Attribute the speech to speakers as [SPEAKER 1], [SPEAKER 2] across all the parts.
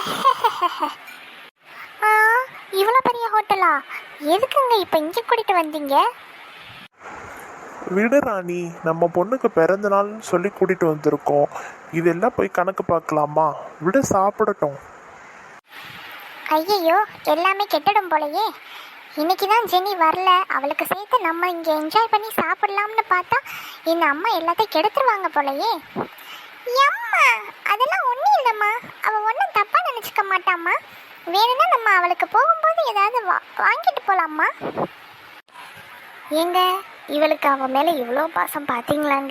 [SPEAKER 1] ஆ, இவ்வளோ பெரிய ஹோட்டலா? எதுக்குங்க இப்போ இங்கே கூட்டிட்டு வந்தீங்க?
[SPEAKER 2] விடு ராணி, நம்ம பொண்ணுக்கு பிறந்த நாள்னு சொல்லி கூட்டிட்டு வந்திருக்கோம். இதெல்லாம் போய் கணக்கு பார்க்கலாமா? விட சாப்பிடட்டும்.
[SPEAKER 1] ஐயையோ, எல்லாமே கெட்டுடும் போலயே. இன்னைக்கு தான் ஜெனி வரல, அவளுக்கு சேர்த்து நம்ம இங்கே என்ஜாய் பண்ணி சாப்பிடலாம்னு பார்த்தா இந்த அம்மா எல்லாத்தையும் கெடுத்துருவாங்க போலயே. அம்மா, அதெல்லாம் ஒன்றும் இல்லைம்மா, அவள் ஒன்றும் தப்பாக நினச்சிக்க மாட்டாம்மா. வேணும்னா நம்ம அவளுக்கு போகும்போது ஏதாவது வாங்கிட்டு போகலாம்மா. ஏங்க, இவளுக்கு அவன் மேலே இவ்வளோ பாசம் பார்த்தீங்களாங்க?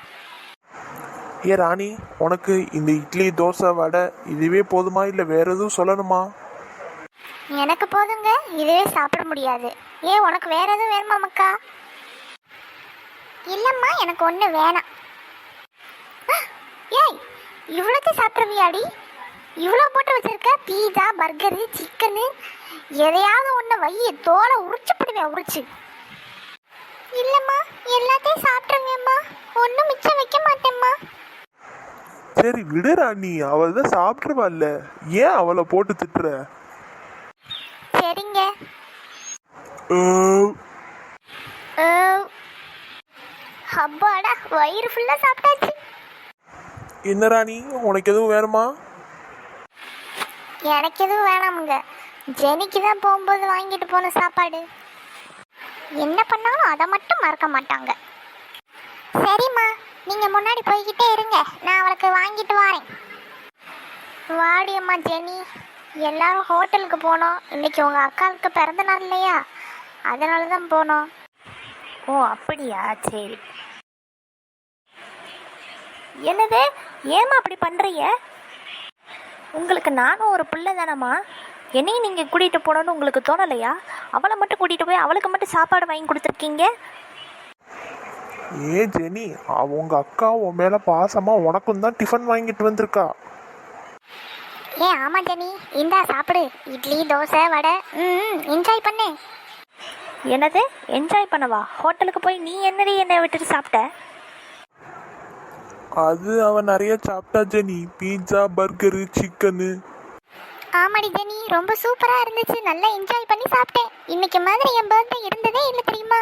[SPEAKER 2] ஏ ராணி, உனக்கு இந்த இட்லி தோசை வடை இதுவே போதுமா, இல்லை வேற எதுவும் சொல்லணுமா?
[SPEAKER 1] எனக்கு போதுங்க, இதுவே சாப்பிட முடியாது. ஏன், உனக்கு வேற எதுவும் வேணுமா மக்கா? இல்லைம்மா, எனக்கு ஒன்று வேணாம். ஏய், இவ்வளோத்தையும் சாப்பிட்ருவியாடி? இவ்வளோ போட்டு வச்சிருக்க, பீஸா பர்கரு சிக்கனு, எதையாவது ஒன்று வைய தோலை உரிச்சுப்படுவேன் உரிச்சு. இல்லைம்மா, எல்லாத்தையும் சாப்பிட்ருவேம்மா, ஒன்றும் மிச்சம் வைக்க மாட்டேம்மா.
[SPEAKER 2] சரி விடு ராணி, அவள் தான் சாப்பிட்ருவாள்ல, ஏன் அவளை போட்டு திட்டுற?
[SPEAKER 1] சரிங்க. அப்பாடா, வயிறு ஃபுல்லாக சாப்பிட்டாச்சு.
[SPEAKER 2] என்ன ராணி, உனக்கு எதுவும் வேணுமா?
[SPEAKER 1] எனக்கு எதுவும் வேணாமுங்க, ஜெனிக்கு தான் போகும்போது வாங்கிட்டு போன சாப்பாடு. என்ன பண்ணாலும் அதை மட்டும் மறக்க மாட்டாங்க. சரிம்மா, நீங்கள் முன்னாடி போய்கிட்டே இருங்க, நான் அவளுக்கு வாங்கிட்டு வரேன். வாடி அம்மா ஜெனி, எல்லாரும் ஹோட்டலுக்கு போனோம். இன்னைக்கு உங்கள் அக்காவுக்கு பிறந்த நாள் இல்லையா, அதனால தான் போனோம்.
[SPEAKER 3] ஓ அப்படியா, சரி. என்னது, ஏமா அப்படி பண்ணுறீங்க? உங்களுக்கு நானும் ஒரு பிள்ளை தானம்மா, என்னையும் நீங்கள் கூட்டிகிட்டு போகணுன்னு உங்களுக்கு தோணலையா? அவளை மட்டும் கூட்டிகிட்டு போய் அவளுக்கு மட்டும் சாப்பாடு வாங்கி கொடுத்துருக்கீங்க.
[SPEAKER 2] ஏ ஜெனி, அவங்க அக்கா உன் மேலே பாசமாக உனக்கும் தான் டிஃபன் வாங்கிட்டு வந்திருக்கா.
[SPEAKER 1] ஏன் ஆமாம் ஜெனி, இந்தா சாப்பிடு, இட்லி தோசை வடை, என்ஜாய் பண்ணு.
[SPEAKER 3] என்னது என்ஜாய் பண்ணவா? ஹோட்டலுக்கு போய் நீ என்னை விட்டுட்டு சாப்பிட்ட?
[SPEAKER 2] அது அவன் நிறைய சாப்பிட்டா ஜெனி, பீட்சா பர்கரு சிக்கனு.
[SPEAKER 1] ஆமாடி ஜெனி, ரொம்ப சூப்பராக இருந்துச்சு, நல்லா என்ஜாய் பண்ணி சாப்பிட்டேன். இன்னைக்கு மாதிரி என் பர்த்டே இருந்ததே இல்லை தெரியுமா?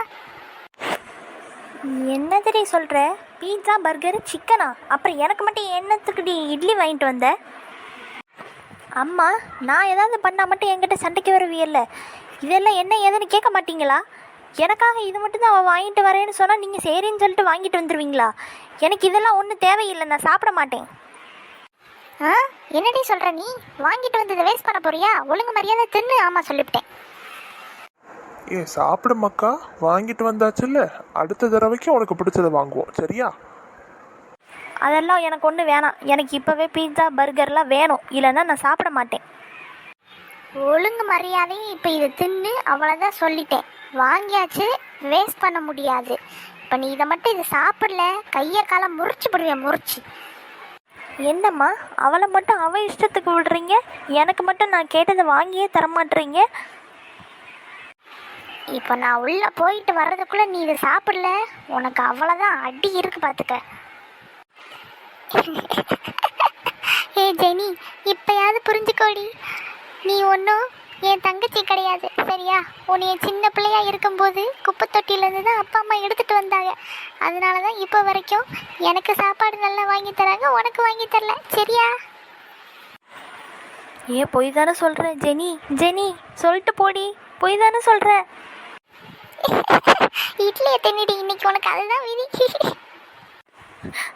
[SPEAKER 3] என்னதுடி சொல்கிற? பீட்சா பர்கரு சிக்கனா? அப்புறம் எனக்கு மட்டும் என்னத்துக்குடி இட்லி வாங்கிட்டு வந்த? அம்மா, நான் ஏதாவது பண்ணால் மட்டும் என்கிட்ட சண்டைக்கு வருவியல்ல, இதெல்லாம் என்ன ஏதுன்னு கேட்க மாட்டீங்களா? எனக்காக இது மட்டும் தான் அவள் வாங்கிட்டு வரேன்னு சொன்னால் நீங்கள் சரின்னு சொல்லிட்டு வாங்கிட்டு வந்துடுவீங்களா? எனக்கு இதெல்லாம் ஒன்றும் தேவையில்லை, நான் சாப்பிட மாட்டேன்.
[SPEAKER 1] என்னடி சொல்கிற நீ? வாங்கிட்டு வந்ததை வேஸ்ட் பண்ண போறியா? ஒழுங்கு மரியாதை தின்னு. ஆமாம், சொல்லிவிட்டேன்.
[SPEAKER 2] ஏ சாப்பிடு மக்கா, வாங்கிட்டு வந்தாச்சுல்ல, அடுத்த தடவைக்கு உனக்கு பிடிச்சதை வாங்குவோம், சரியா?
[SPEAKER 3] அதெல்லாம் எனக்கு ஒன்றும் வேணாம், எனக்கு இப்போவே பீட்சா பர்கர்லாம் வேணும், இல்லைன்னா நான் சாப்பிட மாட்டேன்.
[SPEAKER 1] ஒழுங்கு மரியாதையும் இப்போ இதை தின்னு, அவ்வளோதான் சொல்லிட்டேன். வாங்கியாச்சு, வேஸ்ட் பண்ண முடியாது. இப்போ நீ இதை மட்டும் இதை சாப்பிடல, கையை காலம் முறிச்சு போடுவேன், முறிச்சு.
[SPEAKER 3] என்னம்மா, அவளை மட்டும் அவள் இஷ்டத்துக்கு விடுறீங்க, எனக்கு மட்டும் நான் கேட்டதை வாங்கியே தரமாட்டுறீங்க.
[SPEAKER 1] இப்போ நான் உள்ளே போயிட்டு வர்றதுக்குள்ளே நீ இதை சாப்பிடல, உனக்கு அவ்வளோதான் அடி இருக்கு பார்த்துக்க. ஏ ஜெனி, இப்போயாவது புரிஞ்சுக்கோடி, நீ ஒன்றும் என் தங்கச்சி கிடையாது, சரியா? உன்னைய சின்ன பிள்ளையா இருக்கும்போது குப்பை தொட்டியிலேருந்து தான் அப்பா அம்மா எடுத்துகிட்டு வந்தாங்க. அதனால தான் இப்போ வரைக்கும் எனக்கு சாப்பாடு நல்லா வாங்கி தராங்க, உனக்கு வாங்கி தரல, சரியா?
[SPEAKER 3] ஏன் பொய் தானே சொல்கிற ஜெனி? ஜெனி சொல்லிட்டு போடி, பொய் தானே சொல்கிற?
[SPEAKER 1] இட்லியை தின்னுடி, இன்னைக்கு உனக்கு அதுதான் விதி.